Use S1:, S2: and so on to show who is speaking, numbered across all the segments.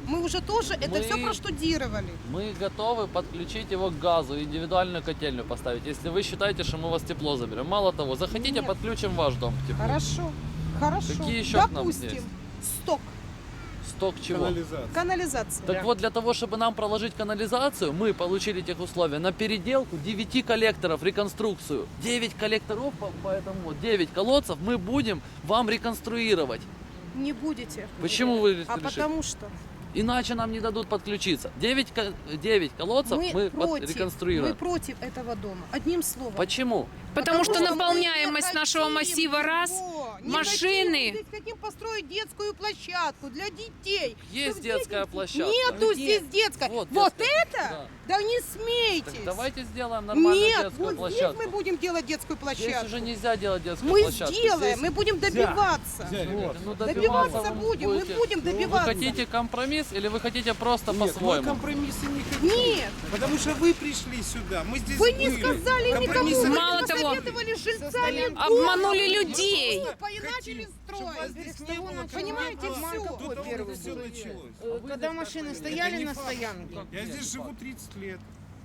S1: Мы уже тоже это все проштудировали.
S2: Мы готовы подключить его к газу, индивидуальную котельную поставить, если вы считаете, что мы у вас тепло заберем. Мало того, захотите,
S1: Нет.
S2: подключим ваш дом к теплу.
S1: Хорошо, хорошо.
S2: Какие еще к нам
S1: Допустим,
S2: есть?
S1: сток,
S2: Сток чего?
S1: канализация.
S2: Так вот, для того, чтобы нам проложить канализацию, мы получили тех условия на переделку 9 коллекторов, реконструкцию. 9 коллекторов, поэтому вот 9 колодцев мы будем вам реконструировать.
S1: Не будете.
S2: Почему вы решили?
S1: А потому что
S2: Иначе нам не дадут подключиться. 9 колодцев мы реконструируем.
S1: мы против этого дома. Одним словом.
S2: Почему?
S3: Потому что
S1: мы
S3: наполняемость
S1: не
S3: нашего
S1: хотим
S3: массива раз,
S1: его. Не
S3: машины.
S1: хотим. Здесь хотим построить детскую площадку для детей.
S2: Есть
S1: Чтобы
S2: детская
S1: дети-
S2: площадка.
S1: Нету здесь детская.
S2: Вот
S1: Вот
S2: детская.
S1: это?
S2: Да.
S1: Да не
S2: Так
S1: смейтесь.
S2: давайте сделаем нормальную
S1: Нет,
S2: детскую
S1: вот
S2: площадку.
S1: здесь мы будем делать детскую
S2: Здесь
S1: площадку.
S2: уже нельзя делать детскую
S1: Мы
S2: площадку.
S1: сделаем,
S2: Здесь-
S1: мы будем добиваться.
S2: Ну,
S1: Добиваться
S2: вы
S1: будем, мы
S2: будете.
S1: будем добиваться.
S2: Вы хотите компромисс или вы хотите просто
S4: Нет, мы
S2: по-своему?
S4: компромиссы не хотим.
S1: Нет,
S4: Потому что вы пришли сюда, мы здесь
S1: вы не
S4: были.
S1: сказали никому,
S4: Компромиссы
S1: вы
S3: Мало
S1: не
S3: того,
S1: посоветовали жильцам.
S3: обманули людей.
S1: И начали строить.
S4: Здесь не было,
S1: Понимаете,
S4: обман
S1: все.
S4: какой
S5: До того,
S4: первый
S5: как
S4: все
S5: было.
S4: началось.
S5: Когда машины стояли на стоянке.
S4: Я здесь живу 30 лет.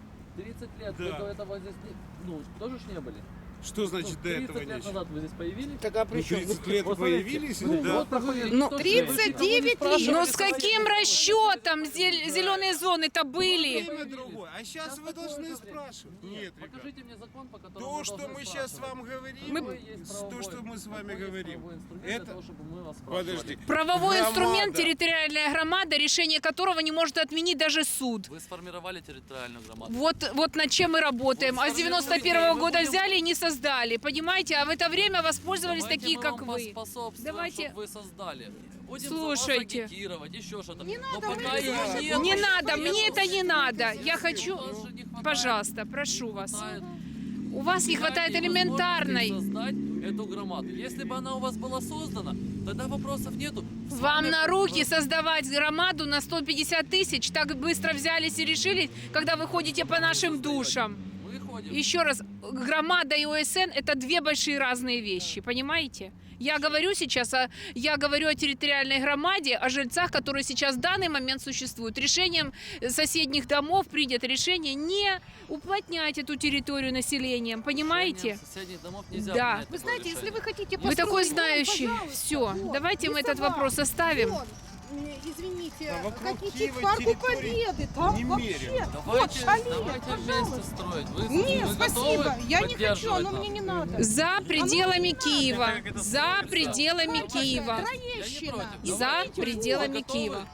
S2: 30 лет,
S4: Да.
S2: вы до этого здесь тоже ж не были?
S4: Что значит до
S2: 30
S4: этого
S2: лет
S4: нечего?
S2: назад вы здесь появились?
S5: Так а при
S4: Ну,
S5: чем?
S4: 30 лет
S2: Вот смотрите,
S4: появились,
S2: ну,
S4: да.
S2: вот проходит
S3: Ну,
S1: 39 лет.
S3: Но с каким расчетом зеленые зоны-то были?
S4: Время другое. А сейчас вы должны спрашивать. Нет, ребят.
S2: Покажите мне закон, по которому
S4: То,
S2: мы
S4: что
S2: должны
S4: мы сейчас
S2: спрашивать.
S4: вам говорим,
S3: Мы-
S4: то, что мы с вами говорим,
S2: Правовой инструмент для
S4: это...
S2: того, чтобы мы вас спрашивали.
S4: Подожди.
S3: Правовой
S4: Громада.
S3: инструмент территориальная громада, решение которого не может отменить даже суд.
S2: Вы сформировали территориальную громаду.
S3: Вот над чем мы работаем. А с 91-го года взяли и не создали. Понимаете? А в это время воспользовались
S2: Давайте
S3: такие,
S2: мы
S3: как
S2: вам
S3: вы.
S2: поспособствуем,
S3: Давайте.
S2: чтобы вы создали. Будем
S3: Слушайте.
S2: за вас агитировать, еще что-то.
S1: Не
S2: Но
S1: надо,
S2: пока
S1: мы
S2: ее
S1: не
S2: нет.
S3: Не надо,
S2: поэтому
S3: мне это не надо. Я хочу,
S2: вас же не хватает.
S3: пожалуйста, прошу вас.
S2: Хватает.
S3: У вас не хватает
S2: Дайте
S3: элементарной.
S2: возможности создать эту громаду. Если бы она у вас была создана, тогда вопросов нету. С
S3: Вам
S2: вами
S3: на руки создавать громаду на 150 тысяч, так быстро взялись и решили, когда вы ходите по нашим душам.
S2: Мы ходим.
S3: Еще раз, громада и ОСН – это две большие разные вещи, понимаете? Я говорю сейчас, я говорю о территориальной громаде, о жильцах, которые сейчас в данный момент существуют. Решением соседних домов принято решение не уплотнять эту территорию населением, понимаете?
S2: Решением соседних домов нельзя
S3: Да.
S2: принять
S1: Вы
S2: такое
S1: знаете, если
S2: решение.
S1: вы хотите
S3: Вы такой
S1: построить дом,
S3: знающий.
S1: пожалуйста,
S3: Все,
S1: вот,
S3: давайте мы этот
S1: рисовать.
S3: вопрос оставим.
S1: Вон, извините,
S4: Да вокруг
S1: хотите
S4: Киева
S1: к парку
S4: территорий
S1: Победы, там
S4: немерено.
S1: вообще, вот
S2: Давайте,
S1: шале,
S2: давайте вместе строить. Вы,
S1: Нет,
S2: вы
S1: спасибо,
S2: готовы
S1: я не хочу,
S2: поддерживать
S1: оно
S2: нас?
S1: мне не надо.
S3: За пределами
S1: надо.
S3: Киева, за пределами Киева,
S1: Троещина.
S2: Я не
S3: за
S2: против.
S3: пределами
S2: Вы готовы
S3: Киева.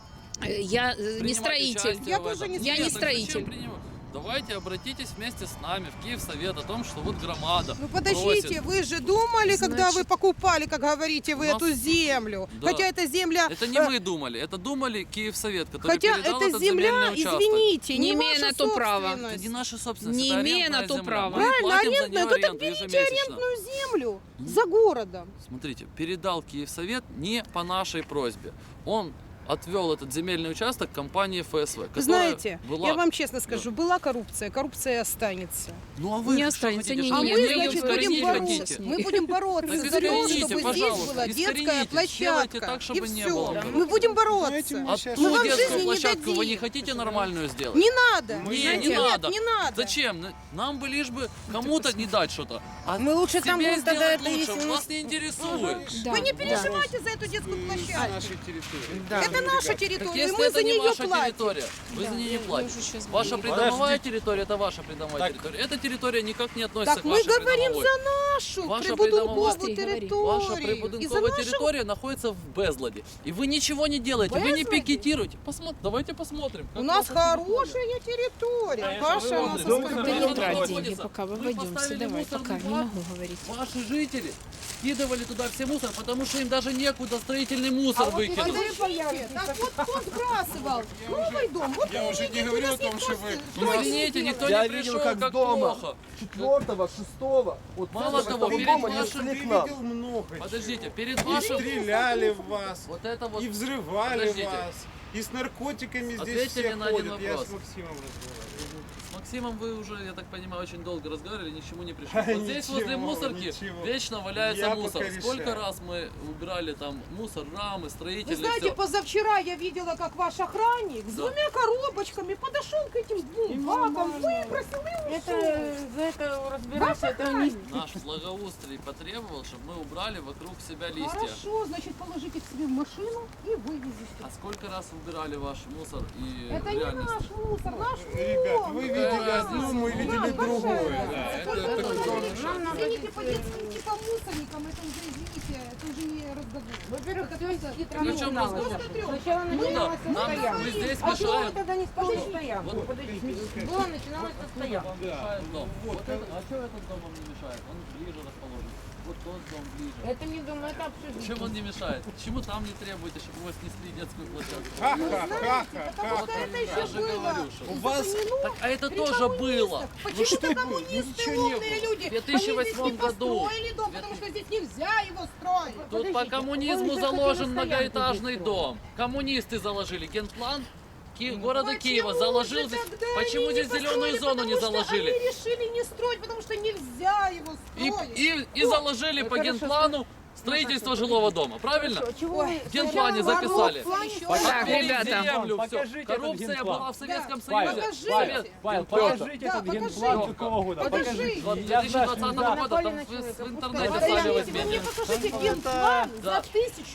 S3: Я не
S2: принимать
S3: строитель.
S2: участие
S1: Я
S2: в
S1: тоже
S2: этом?
S1: не
S3: Я не
S2: Нет, так зачем
S3: строитель.
S2: принимать? Давайте обратитесь вместе с нами в Киевсовет о том, что вот громада
S1: Ну подождите,
S2: просит.
S1: вы же думали, когда вы покупали, как говорите, вы
S2: У нас-
S1: эту землю.
S2: Да.
S1: Хотя эта земля...
S2: Это не мы думали, это думали Киевсовет, который
S1: Хотя
S2: передал
S1: эта
S2: этот
S1: земля,
S2: земельный участок.
S1: извините,
S3: Не
S1: не
S3: имея
S1: ваша
S3: на то права.
S2: Это
S1: собственность.
S2: не наша собственность,
S3: Не
S2: это
S3: имея
S2: арендная
S3: на то
S2: земля.
S3: права.
S2: Мы
S1: Правильно,
S2: платим за
S1: арендную,
S2: нее
S1: то так
S2: аренду
S1: берите
S2: ежемесячно.
S1: арендную землю за городом.
S2: Смотрите, передал Киевсовет не по нашей просьбе. Он отвел этот земельный участок компании ФСВ, которая
S1: Знаете,
S2: была...
S1: я вам честно скажу, была коррупция, коррупция останется.
S2: Ну а вы
S3: Не
S2: что
S3: останется,
S2: хотите,
S3: не,
S2: чтобы
S1: А
S3: не,
S1: мы,
S3: не,
S2: ее
S1: значит,
S3: искоренить
S1: будем
S2: искоренить
S1: бороться.
S2: хотите?
S1: Мы будем бороться
S2: Так
S1: за то,
S2: искорените,
S1: чтобы здесь
S2: пожалуйста,
S1: была детская
S2: искорените,
S1: площадка.
S2: сделайте так, чтобы
S1: И
S2: не
S1: все.
S2: было.
S1: Мы будем бороться.
S4: Знаете,
S2: А
S4: сейчас-
S1: Мы
S2: ту
S1: вам в
S2: детскую
S1: жизни не
S2: площадку вы
S1: дадим.
S2: не хотите нормальную сделать?
S1: Не надо.
S2: Не,
S1: Знаете,
S2: не
S1: нет,
S2: надо.
S1: не надо.
S2: Зачем? Нам бы лишь бы кому-то не дать что-то. А
S5: Мы лучше там
S2: себе
S5: будем тогда
S2: сделать
S5: это,
S2: лучше.
S5: если у нас-
S2: Вас не интересует.
S3: Да,
S1: Вы не
S3: да.
S1: переживайте за эту детскую
S4: На
S1: площадку.
S4: нашей территории.
S5: Да.
S1: Это наша
S2: Так
S1: территория, и
S2: если
S1: мы
S2: это
S1: за
S2: не
S1: нее
S2: ваша
S1: платим.
S2: территория, вы за нее не платите.
S3: уже щас
S2: Ваша
S3: говорим.
S2: придомовая территория – это ваша придомовая территория. Эта территория никак не относится
S1: Так
S2: к
S1: мы
S2: вашей
S1: говорим
S2: придомовой.
S1: за нашу
S2: Ваша
S1: прибудинковую
S3: придомовая-
S1: территорию.
S2: Ваша
S1: И за
S2: прибудинковая
S1: нашу...
S2: территория находится в безладе. И вы ничего не делаете, вы не
S1: Безладе?
S2: пикетируете. Давайте посмотрим.
S1: У
S2: как
S1: нас
S2: ваша территория.
S1: хорошая территория. Ваша у нас
S2: Вы
S3: Да
S2: Там
S3: не
S1: оскорбляет.
S3: трать
S2: находится.
S3: деньги, пока
S2: Вы
S3: выводимся.
S2: поставили
S3: Давай,
S2: мусорный
S3: пока, не
S2: бак.
S3: могу говорить.
S2: Ваши жители скидывали туда все мусор, потому что им даже некуда строительный мусор выкинуть.
S1: Подождите, так вот кто сбрасывал? Новый дом. Вот
S4: Я уже не говорю о том, что вы...
S2: Ну, извините, никто
S6: Я
S2: не
S6: видел,
S2: пришел,
S6: как
S2: как
S6: дома.
S2: плохо.
S6: 4-го, 6-го, вот
S2: Мало
S6: этого
S2: того, перед
S6: дома не
S2: вашим
S6: шли к
S4: Ты
S6: нам.
S4: видел много чего.
S2: Подождите, перед
S4: И
S2: вашим...
S4: стреляли в вас,
S2: Вот это вот...
S4: и взрывали
S2: Подождите.
S4: вас, И с наркотиками здесь
S2: Ответьте
S4: все
S2: мне на один
S4: ходят. Я
S2: вопрос.
S4: с Максимом разговариваю.
S2: С Максимом вы уже, я так понимаю, очень долго разговаривали, ни к чему не пришли.
S4: А,
S2: Вот здесь возле
S4: ничего,
S2: мусорки
S4: ничего.
S2: вечно валяется
S4: Я
S2: мусор.
S4: пока
S2: Сколько
S4: решаю.
S2: раз мы убирали там мусор, рамы,
S1: Вы
S2: строительные,
S1: знаете,
S2: всё.
S1: позавчера я видела, как ваш охранник с
S2: Да.
S1: двумя коробочками подошел к этим двум бакам, выбросил и
S5: Это
S1: ушел.
S5: за это разбираться, это не...
S2: Наш благоустрий потребовал, чтобы мы убрали вокруг себя листья.
S1: Хорошо, значит, положите к себе в машину и вывезите.
S2: А сколько раз убирали ваш мусор и
S1: Это
S2: в
S1: не
S2: реальности?
S1: наш мусор, наш
S4: Ребят,
S1: вон.
S4: вы видели одно, мы видели другое. Да, это такое.
S1: Извините, по детским типа мусорникам, это уже, извините, это уже не разговор.
S5: Во-первых,
S1: Это
S5: все
S1: просто
S2: Причем
S5: хитро
S2: разговор?
S5: Сначала
S2: Ну да,
S5: начиналась со
S2: нам,
S5: стоянки.
S2: мы здесь
S5: А почему вы
S2: мешаем.
S5: тогда не строили стоянку?
S2: Вот.
S5: Подождите, было начиналось со стоянки.
S2: Вам мешает дом. Вот это, а что этот дом вам не мешает? Он ближе расположен. Вот тот дом ближе.
S5: Это не дом, это общежитие.
S2: Чем он не мешает? Почему там не требуете, чтобы у вас снесли детскую площадку?
S1: Потому что это еще
S2: Я же
S1: было.
S2: говорю, что
S4: У вас
S2: Так, а это
S1: При
S2: тоже было.
S1: коммунистах. Почему-то
S4: было?
S1: коммунисты
S4: Ничего не
S1: умные
S4: было.
S1: люди.
S2: В 2008
S1: Они здесь не
S2: году.
S1: построили дом, потому что здесь нельзя его строить.
S2: Тут по
S5: Подождите,
S2: коммунизму
S5: он же
S2: заложен
S5: хотел
S2: многоэтажный
S5: стоянку
S2: дом. Коммунисты заложили генплан города
S1: Почему
S2: Киева.
S1: же
S2: Заложил здесь.
S1: тогда
S2: Почему
S1: они
S2: здесь
S1: не
S2: зеленую
S1: построили?
S2: зону не
S1: Потому что
S2: заложили?
S1: Они решили не строить, потому что нельзя его строить.
S2: И заложили по генплану строительство жилого дома. Правильно?
S5: Хорошо, чего вы...
S2: В генплане записали.
S3: Так,
S2: Отвели
S3: ребята.
S2: землю, всё.
S7: Покажите этот
S2: Коррупция
S7: генплан.
S2: была в Советском
S1: Да.
S2: Союзе.
S1: Покажите.
S2: Совет-
S7: Павел,
S2: Петр,
S7: покажите
S1: Да,
S7: этот
S1: покажи.
S7: генплан какого года.
S1: Покажи.
S7: Покажите.
S2: Вот
S7: Я
S2: 2020
S7: знаю,
S2: года, там
S5: Напали на
S2: в
S5: человека,
S2: интернете
S5: пускай.
S2: сами
S1: Подождите, вы мне
S2: возьмите.
S1: покажите генплан
S2: Да.
S1: за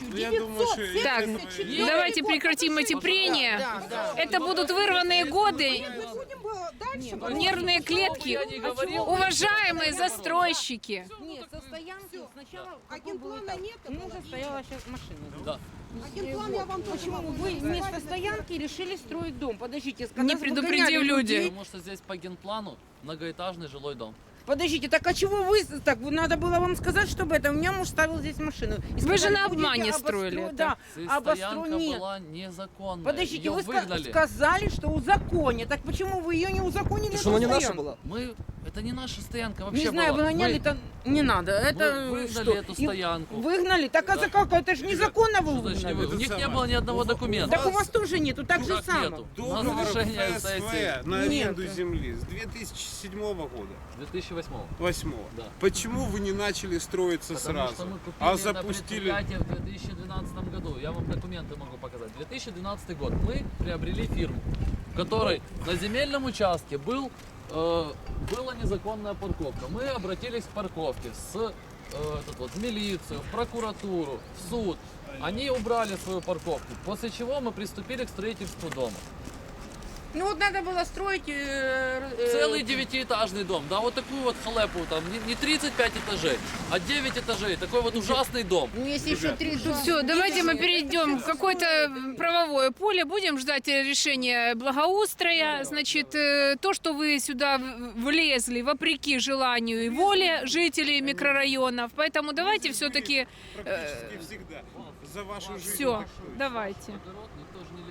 S1: 1974
S3: Так, давайте прекратим эти прения.
S5: Да, да.
S3: Это будут вырванные годы,
S1: Мы будем дальше.
S3: нервные клетки.
S2: Я не говорил.
S3: Уважаемые застройщики.
S5: Нет, со стоянки сначала...
S1: А
S5: какой был
S1: генплана
S5: этап?
S1: нет,
S5: Ну,
S1: это
S5: уже
S1: положили.
S5: стояла сейчас машина.
S2: Да.
S1: А генплан я вам тоже
S5: Почему
S1: могу
S5: вы
S1: нарисовать,
S5: вместо
S1: написать.
S5: стоянки решили строить дом? Подождите,
S3: Не предупредив людей.
S2: Потому что здесь по генплану многоэтажный жилой дом.
S5: Подождите, так а чего вы так? Надо было вам сказать, чтобы это. У меня муж ставил здесь машину. И
S3: Вы же
S5: сказали,
S3: на
S5: будете
S3: обмане строили это.
S5: Да,
S2: Здесь
S5: обостру
S2: стоянка
S5: нет.
S2: была незаконная.
S5: Подождите,
S2: Её
S5: вы
S2: выгнали.
S5: сказали, что узаконят. Так почему вы ее не узаконили?
S6: Что она не
S5: эту
S6: наша
S5: стоянку?
S6: была?
S2: Мы... Это не наша стоянка вообще
S5: Не знаю,
S2: была.
S5: вы гоняли,
S2: Мы-
S5: это не надо. Это
S2: выгнали
S5: что?
S2: эту
S5: И
S2: стоянку.
S5: Выгнали? Так а
S2: Да.
S5: за как? Это же незаконно вы
S2: Что значит не
S5: выгнали.
S2: вы? У них не
S4: самое.
S2: было ни одного документа.
S5: Так у вас тоже нету, так же
S2: Как
S5: само.
S2: нету? У нас
S4: Договор
S2: решение
S4: ФСВ
S2: сессии
S4: на аренду
S5: Нет.
S4: земли с 2007 года.
S2: 2008
S4: 8.
S2: Да.
S4: Почему вы не начали строиться
S2: Потому
S4: сразу,
S2: что мы купили
S4: а
S2: на
S4: запустили?
S2: предприятие в 2012 году. Я вам документы могу показать. 2012 год. Мы приобрели фирму, в которой на земельном участке была незаконная парковка. Мы обратились к парковке в милицию, в прокуратуру, в суд. Они убрали свою парковку, после чего мы приступили к строительству дома.
S5: Ну вот надо было строить...
S2: Целый 9-этажный дом, да, вот такую вот халепу, там не 35 этажей, а 9 этажей, такой вот ужасный дом.
S5: Ну если еще 3
S3: Все, давайте мы перейдем в какое-то правовое поле, будем ждать решения благоустроя. Значит, то, что вы сюда влезли вопреки желанию и воле жителей микрорайонов, поэтому давайте все-таки...
S4: Практически всегда. За вашу жизнь.
S3: Все,
S4: так точно.
S3: давайте.
S2: Огород никто же не